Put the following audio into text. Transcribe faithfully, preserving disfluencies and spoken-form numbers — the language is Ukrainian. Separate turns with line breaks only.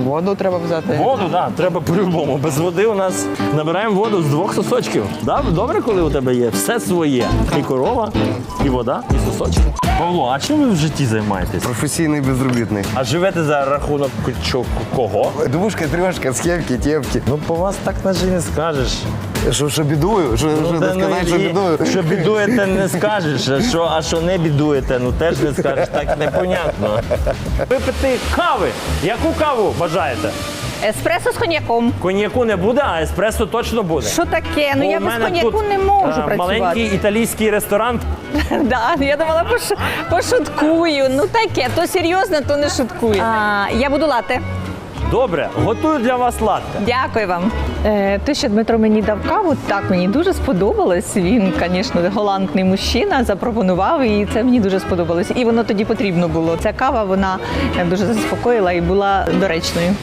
Воду треба взяти.
Воду, так, да, треба по-любому. Без води у нас набираємо воду з двох сосочків. Да? Добре, коли у тебе є все своє. І корова, і вода, і сосочки. Павло, а чим ви в житті займаєтесь?
Професійний безробітний.
А живете за рахунок чо- кого?
Двушка, трьошка, схемки, тємки.
Ну, по вас так наче не скажеш.
Що, що бідую? Що, що
Та,
не сказати, що
і-
бідую?
Що бідуєте, не скажеш, а що, а що не бідуєте, ну теж не скажеш, так непонятно. Випити кави. Яку каву бажаєте?
Еспресо з коньяком.
Коньяку не буде, а еспресо точно буде.
Що таке? Ну
Бо
я
у
без
мене
коньяку
тут,
не можу
е,
працювати.
Маленький італійський ресторан.
Да, я думала, пош... пошуткую. Ну таке, то серйозно, то не шуткую. А, я буду лати.
Добре, готую для вас латте.
Дякую вам. Е, те, що Дмитро мені дав каву, так мені дуже сподобалось. Він, звісно, галантний мужчина, запропонував, і це мені дуже сподобалось. І воно тоді потрібно було. Ця кава, вона дуже заспокоїла і була доречною.